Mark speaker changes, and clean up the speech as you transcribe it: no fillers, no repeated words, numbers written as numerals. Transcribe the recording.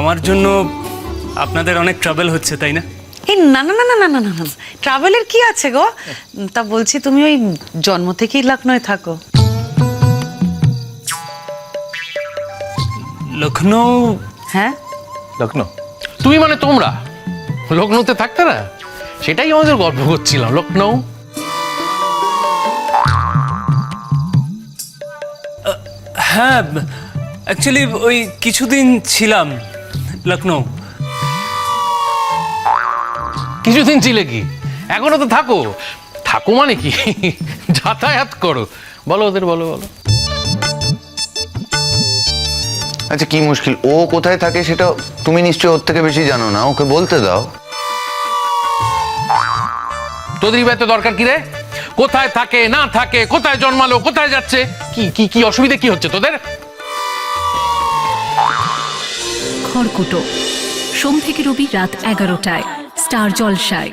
Speaker 1: আমার জন্য আপনাদের অনেক ট্রাভেল হচ্ছে, তাই না?
Speaker 2: এই না না না না না না না, ট্রাভেলের কি আছে গো? তা বলছি তুমি ওই জন্ম থেকেই লখনৌয়ে থাকো?
Speaker 1: লখনৌ?
Speaker 2: হ্যাঁ।
Speaker 3: লখনৌ? তুমি মানে তোমরা লখনৌতে থাকতে না, সেটাই আমাদের গল্প করছিলাম। লখনৌ
Speaker 1: হ্যাঁ, অ্যাকচুয়ালি ওই কিছুদিন ছিলাম লখনৌ।
Speaker 3: কিছুদিন ছিলে কি? এখনো তো থাকো। থাকো মানে কি, যাতায়াত করো। বলো ওদের, বলো বলো।
Speaker 4: আচ্ছা, কি মুশকিল? ও কোথায় থাকে সেটা তুমি নিশ্চয়ই ওর থেকে বেশি জানো না, ওকে বলতে দাও।
Speaker 3: তোদের এত দরকার কি রে? কোথায় থাকে না থাকে, কোথায় জন্মালো, কোথায় যাচ্ছে, কি কি কি অসুবিধা কি হচ্ছে তোদের?
Speaker 5: খড়কুটো সোম থেকে রবি রাত 11টায় স্টার জলসায়।